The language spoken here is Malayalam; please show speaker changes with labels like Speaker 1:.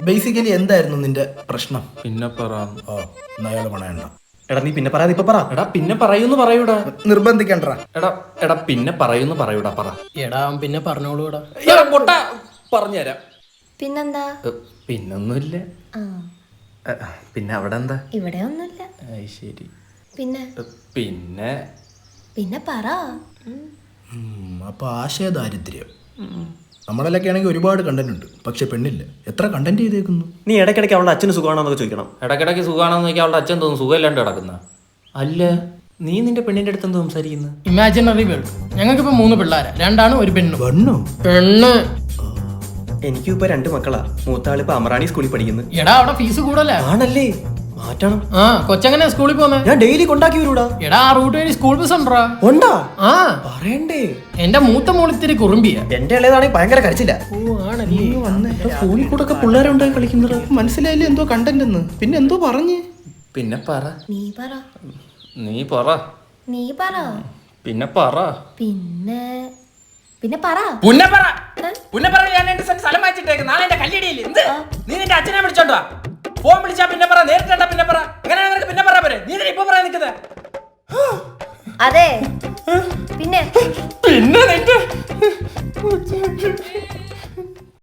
Speaker 1: ബേസിക്കലി എന്തായിരുന്നു നിന്റെ പ്രശ്നം?
Speaker 2: പിന്നെ പറ.
Speaker 1: ഓ അയാൾ പണയണ്ട.
Speaker 3: എടാ നീ പിന്നെ പറയാതെ ഇപ്പൊ പറ.
Speaker 2: എടാ പിന്നെ പറയൂന്ന് പറയൂടാ.
Speaker 1: നിർബന്ധിക്കണ്ട.
Speaker 2: എടാ പിന്നെ പറയൂന്ന് പറയൂടാ. പറ.
Speaker 4: എടാ പിന്നെ പറഞ്ഞോളൂടാ.
Speaker 2: പൊട്ട പറഞ്ഞുതരാം.
Speaker 5: പിന്നെന്താ?
Speaker 2: പിന്നൊന്നുമില്ല. പിന്നെ അവിടെ എന്താ?
Speaker 5: ഇവിടെ ഒന്നുമില്ല.
Speaker 2: ശരി.
Speaker 5: പിന്നെ
Speaker 2: പിന്നെ
Speaker 5: പിന്നെ പറ.
Speaker 1: അപ്പൊ ആശയദാരിദ്ര്യം. നമ്മളൊക്കെ ആണെങ്കിൽ ഒരുപാട് കണ്ടന്റ് ഉണ്ട്, പക്ഷെ പെണ്ണില്ല. എത്ര കണ്ടന്റ് ചെയ്തേക്കുന്നു.
Speaker 3: നീ ഇടയ്ക്കിടയ്ക്ക് അവളുടെ അച്ഛന് സുഖമാണോന്നൊക്കെ ചോദിക്കണം.
Speaker 2: ഇടയ്ക്കിടയ്ക്ക് സുഖമാണെന്ന് നോക്കി അവളുടെ അച്ഛൻ തോന്നുന്നു സുഖമില്ലാണ്ട് കിടക്കുന്ന. അല്ല നീ നിന്റെ പെണ്ണിന്റെ അടുത്ത് എന്തോ സംസാരിക്കുന്നു?
Speaker 4: Imaginary world. ഞങ്ങൾക്കിപ്പോ 3 പിള്ളേരാ, 2 ആണും 1 പെണ്ണും.
Speaker 1: പെണ്ണോ?
Speaker 4: പെണ്ണ്.
Speaker 3: എനിക്കും ഇപ്പൊ 2 മക്കളാ. മൂത്താളിപ്പോ അമറാണി സ്കൂളിൽ പഠിക്കുന്നു.
Speaker 4: എടാ അവിടെ ഫീസ് കൂടല്ലേ?
Speaker 3: ആണല്ലേ, മാറ്റണം.
Speaker 4: ആ കൊച്ചെങ്ങനെ സ്കൂളിൽ പോന്നെ?
Speaker 3: ഞാൻ ഡെയിലി കൊണ്ടാക്കി വരൂടാ.
Speaker 4: എടാ ആ റൂട്ട് വഴി സ്കൂൾ ബസ് ഉണ്ടാ?
Speaker 3: ഉണ്ടാ?
Speaker 4: ആ
Speaker 3: പറയണ്ടേ.
Speaker 4: എന്റെ മൂത്ത മോളിത്തിരി കുറുമ്പിയ.
Speaker 3: എന്റെ ഇളയതാണെങ്കിൽ ഭയങ്കര കരച്ചില്ല.
Speaker 4: ഓ ആണല്ലേ.
Speaker 3: ഫോണിൽ കൂടെ ഒക്കെ പിള്ളേരുണ്ടായി കളിക്കുന്നത്.
Speaker 1: മനസ്സിലായില്ലേ എന്തോ കണ്ടന്റ് എന്ന്? പിന്നെ എന്തോ പറഞ്ഞ്?
Speaker 2: പിന്നെ പറ.
Speaker 5: നീ പറ.
Speaker 2: നീ പറ.
Speaker 5: നീ പറ.
Speaker 2: പിന്നെ പറ.
Speaker 5: പിന്നെ പിന്നെ പറ.
Speaker 2: പുന്നപ്പറ ഞാൻ എന്റെ സ്ഥലം വായിച്ചിട്ടേക്ക്. നാളെ എന്റെ കല്ലിടിയില്ല. എന്ത് നീ നിന്റെ അച്ഛനെ വിളിച്ചോണ്ടോ? ഫോൺ വിളിച്ചാ പിന്നെ പറ, നേരിട്ടാ പിന്നെ പറ. എങ്ങനെയാ നിനക്ക് പിന്നെ പറയാ പോരെ? നീ ഇപ്പൊ പറയാൻ നിൽക്കുന്നത്?
Speaker 5: അതെ പിന്നെ